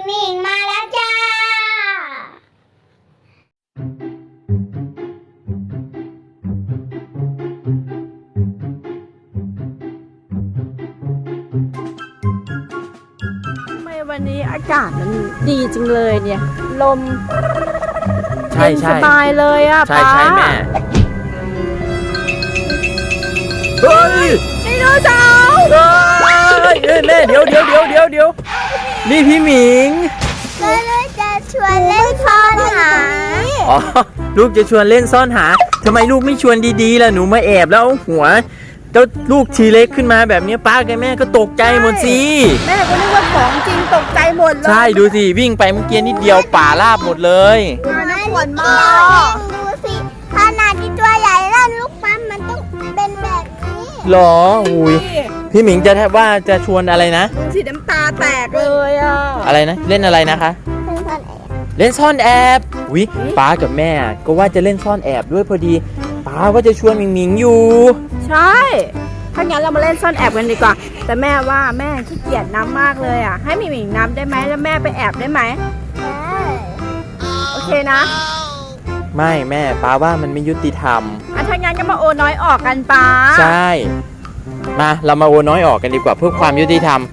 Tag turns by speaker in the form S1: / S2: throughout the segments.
S1: มิงมาแล้วจ้า
S2: ทำไมวันนี้อากาศมันดีจังเลยเนี่ยลม
S3: ใช่
S2: สบายเลยอ่ะ
S3: ใช่
S2: ป๊า
S3: ใช่แม่เฮ้ย
S2: ไดโนเสาร์
S3: แม่เดี๋ยวนี่พี่หมิง
S1: ก็เลยจะชวนเล่นซ่อนหา
S3: อ๋อลูกจะชวนเล่นซ่อนหาทำไมลูกไม่ชวนดีๆล่ะหนูมาแอบแล้วเอาหัวเจ้าลูกทีเล็กขึ้นมาแบบนี้ป้ากับแม่ก็ตกใจหมดสิ
S2: แม่ก็นึกว่าของจริงตกใจหมดเลย
S3: ใช่ดูสิวิ่งไปเมื่อกี้นิดเดียวป่าราบหมดเลย
S2: น่ากลัวมาก
S1: ดูสิขนาดที่ตัวใหญ่แล้วลูกปั๊มมันต้องเป็นแบบนี้
S3: หรออุ้ยพี่หมิงจะแทบว่าจะชวนอะไรนะ
S2: สีน้ำตาแตกเลยอ่ะ
S3: อะไรนะเล่นอะไรนะคะ
S1: เป็นซ่อนแอบ
S3: เล่นซ่อนแอบวิป้ากับแม่ก็ว่าจะเล่นซ่อนแอบด้วยพอดีป้าก็จะชวนหมิงหมิงอยู่
S2: ใช่ถ้างั้นเรามาเล่นซ่อนแอบกันดีกว่าแต่แม่ว่าแม่ขี้เกียจน้ำมากเลยอ่ะให้หมิงน้ำได้ไหมแล้วแม่ไปแอบได้ไหม
S1: ได้
S2: โอเคนะ
S3: ไม่แม่ป้าว่ามันไม่ยุติธรรม
S2: ถ้างั้นก็มาโอน้อยออกกันป้า
S3: ใช่มาเรามาโอน้อยออกกันดีกว่าเพื่อความยุติธรรม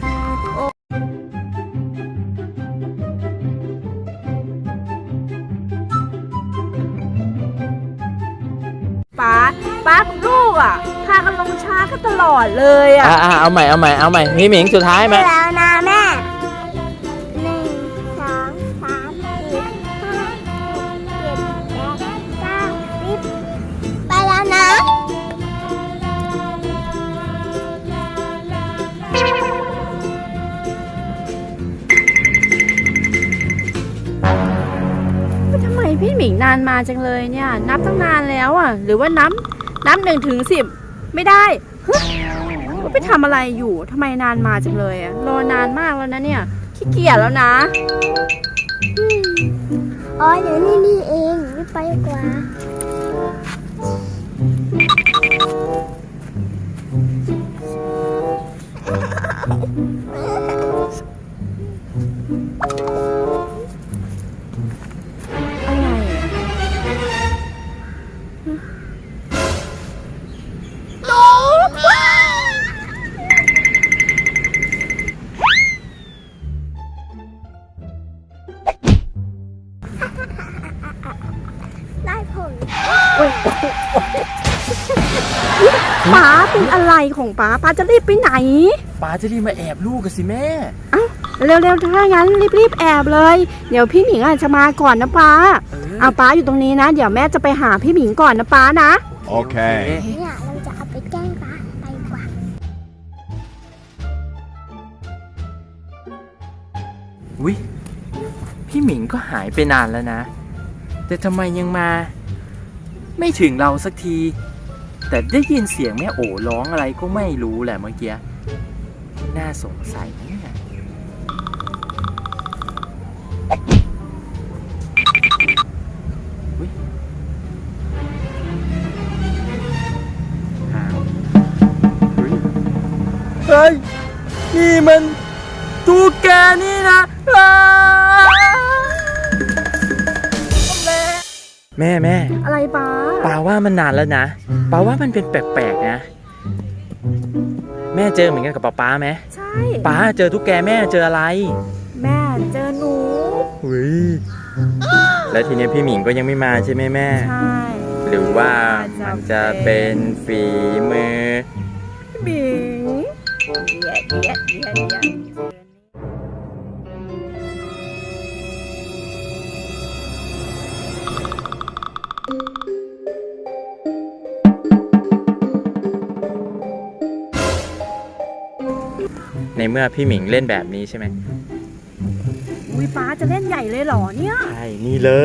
S2: ป้ากับลูกอ่ะพากันลงช้ากันตลอดเลยอ่ะ
S3: เอาใหม่พี่หมิงสุดท้ายไหม
S1: แล้วนะแม่1 2 3 4 5 6 7 8 9 10ไปแล้วนะ
S2: ทำไมพี่หมิงนานมาจังเลยเนี่ยนับตั้งนานแล้วอ่ะหรือว่านับ1 ถึง 10ไม่ได้ฮะว่าไปทำอะไรอยู่ทำไมนานมาจังเลยอ่ะรอนานมากแล้วนะเนี่ยขี้เกียจแล้วนะ
S1: อ๋อเดี๋ยวนี่เองรีบไปดีกว่า
S2: อะไรอ่ะ
S1: ได้ผล
S2: ป้าเป็นอะไรของป้าจะรีบไปไหน
S3: ป้าจะรีบมาแอบลูกกันสิแม่
S2: เร็วๆถ้างั้นรีบแอบเลยเดี๋ยวพี่หมิงอาจจะมาก่อนนะป้าเอาป้าอยู่ตรงนี้นะเดี๋ยวแม่จะไปหาพี่หมิงก่อนนะป้านะ
S3: โอเค
S1: เนี่ยเราจะเอาไปแกล้งป้าไปดีกว่า
S3: วิพี่หมิงก็หายไปนานแล้วนะแต่ทำไมยังมา ไม่ถึงเราสักที แต่ได้ยินเสียงแม่โอ๋ร้องอะไรก็ไม่รู้แหละเมื่อกี้น่าสงสัยนะเนี่ยอุ๊ยอ้าวเฮ้ยนี่มันตุ๊กแกนี่นะแม่
S2: อะไรป้า
S3: ปาว่ามันนานแล้วนะปาว่ามันเป็นแปลกๆนะแม่เจอเหมือนกันกับป๊าไหม
S2: ใช่
S3: ป๊าเจอตุ๊กแกแม่เจออะไร
S2: แม่เจอหนู
S3: อุ้ยแล้วทีนี้พี่หมิงก็ยังไม่มาใช่ไหมแม่
S2: ใช่
S3: หรือว่ามันจะเป็นฝีมือ
S2: หมิงเดี๋ยว
S3: ในเมื่อพี่หมิงเล่นแบบนี้ใช่ไหม
S2: อุ้ยป้าจะเล่นใหญ่เลยเหรอเนี่ย
S3: ใช่นี่เลย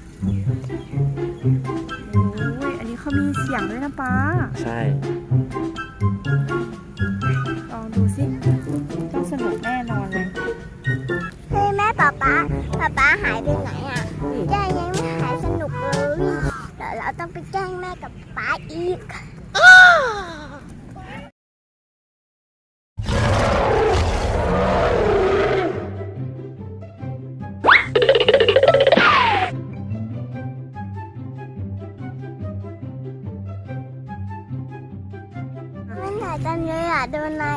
S2: โอ้ยอันนี้เขามีเสียงด้วยนะป้า
S3: ใช่
S2: ลองดูสิต้องสนุกแน่นอนเลย
S1: เฮ้ยแม่ป๊าหายไปไหนอ่ะย่ายังไม่หายสนุกเลยเดี๋ยวเราต้องไปแกล้งแม่กับป๊าอีก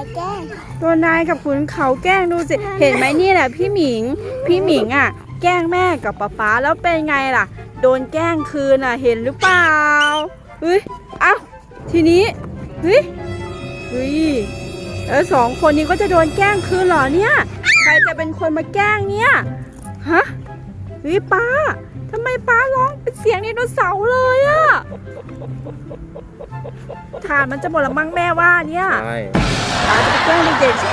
S1: ายแกล้ง
S2: โดนนายกับขุนเขาแกล้งดูสิ เห็นไหมนี่แหละพี่หมิงอ่ะ แกล้งแม่กับป๊าแล้วเป็นไงล่ะ โดนแกล้งคืนอ่ะ เห็นหรือเปล่าเฮ้ยเอ้าทีนี้เฮ้ยสองคนนี้ก็จะโดนแกล้งคืนเหรอเนี่ย ใครจะเป็นคนมาแกล้งเนี่ยฮะเฮ้ยป้าทำไมป้าร้องเป็นเสียงไดโนเสาร์เลยอะฐานมันจะหมดแล้วมั้งแม่ว่าเนี่ย
S3: ใช่
S2: ป้าจะไปแกล้งเด็กๆ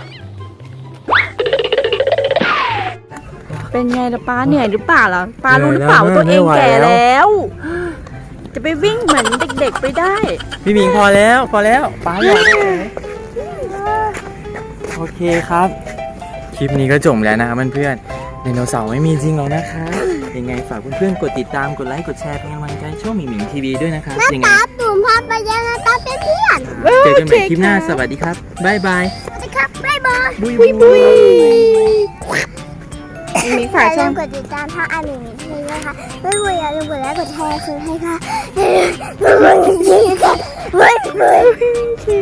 S2: เป็นไงล่ะป้าเหนื่อยหรือเปล่าล่ะป้ารู้หรือเปล่าว่าตัวเองแก่แล้ว จะไปวิ่งเหมือนเด็กๆไปได้
S3: พี่หมิงพอแล้วป้าอยากโอเคครับ คลิปนี้ก็จบแล้วนะครับเพื่อนๆไดโนเสาร์ไม่มีจริงหรอกนะคะยังไงฝากเพื่อนๆกดติดตามกดไลค์กดแชร์เป็นกำลังใจช่องหมิงหมิงทีวีด้วยนะครับยังไง
S1: ตาตุ่มพาไปยังตาเป็นเพื่อน
S3: เจอกันใหม่คลิปหน้าสวัสดีครับบ๊ายบาย
S1: สวัสดีครับบ๊ายบาย
S3: บุย
S2: บุย มี
S1: อ
S2: ฝาก
S1: ย่า
S2: ช่
S1: ลื
S2: อง
S1: มกดติดตามช่องอาหมิงมิทีนะคะไม่อย่าลืมกดไลค์กดแชร์คืนให้ค่ะ